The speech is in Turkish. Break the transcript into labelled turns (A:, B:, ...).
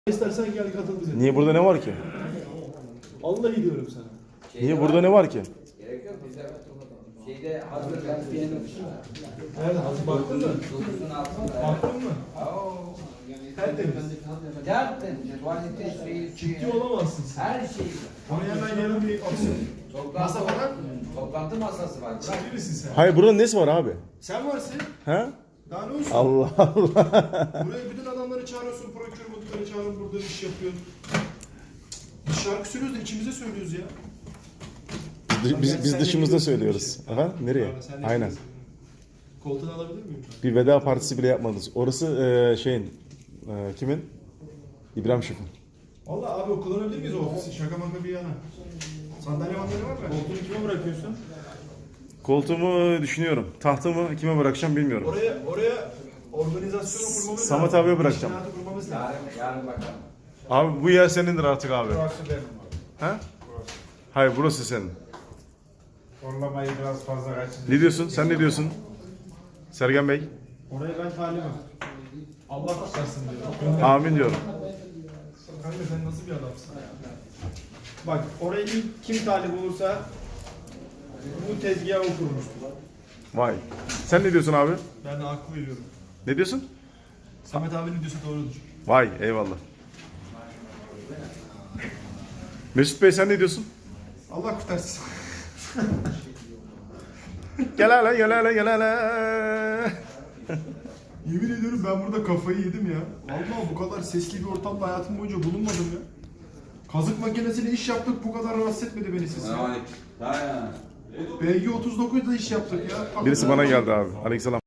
A: İstersen gel katıl bize.
B: Niye burada ne var ki?
A: Vallahi diyorum sana.
B: Niye burada ne var ki?
C: Gerek yok bize. Şeyde hazır ben piyanım.
A: Nerede? Hazır baktın mı?
C: Dokuzun altında.
A: Baktın mı?
C: Oo.
A: Tertemiz.
C: Zaten tuvalete suyu,
A: Ciddi olamazsın sen.
C: her şey.
A: Oraya hemen yarın bir aksiyon. Masa falan.
C: Toplantı masası var. Bırak.
A: Ciddi misin sen?
B: Hayır buranın nesi var abi?
A: Sen varsın.
B: Ha?
A: Daha ne olsun?
B: Allah Allah.
A: Buraya bütün adamları çağırıyorsun. Procurement çağırın burada iş yapıyor. Biz şarkı söylüyoruz da içimize söylüyoruz ya.
B: Biz dışımızda söylüyoruz. Aha, nereye?
A: Sen ne
B: Aynen.
A: diyorsun? Koltuğunu alabilir miyim?
B: Bir veda partisi bile yapmadınız. Orası kimin? İbrahim Şef'in.
A: Valla abi kullanabilir miyiz o ofisi? Şaka maka bir yana. Sandalye mandalye var mı? Koltuğunu kime bırakıyorsun?
B: Koltuğumu düşünüyorum. Tahtımı kime bırakacağım bilmiyorum.
A: Oraya organizasyonu kurmamız lazım.
B: Samet abiye bırakacağım.
A: İşinatı kurmamız lazım.
C: Yarın bakalım.
B: Abi bu yer senindir artık abi.
D: Burası benim abi.
B: Ha? Hayır burası senin.
D: Horlamayı biraz fazla kaçırdım.
B: Ne diyorsun? Sen ne diyorsun? Sergen Bey.
A: Orayı ben talimim. Allah kurtarsın diyor.
B: Amin diyorum.
A: Kanka sen nasıl bir adamsın?
D: Bak orayı ilk kim talip olursa bu tezgahı o kurmuştur.
B: Vay. Sen ne diyorsun abi?
A: Ben de haklı veriyorum.
B: Ne diyorsun?
A: Samet abi ne diyorsa doğrudur.
B: Vay eyvallah. Mesut Bey sen ne diyorsun?
A: Allah kurtarsın.
B: Gel hele gel hele gel hele.
A: Yemin ediyorum ben burada kafayı yedim ya. Vallahi bu kadar sesli bir ortamda hayatım boyunca bulunmadım ya. Kazık makinesiyle iş yaptık, bu kadar rahatsız etmedi beni siz ya.
C: Ha ya.
A: BG 39'da iş yaptık ya.
B: Birisi bana geldi abi. Aleykümselam.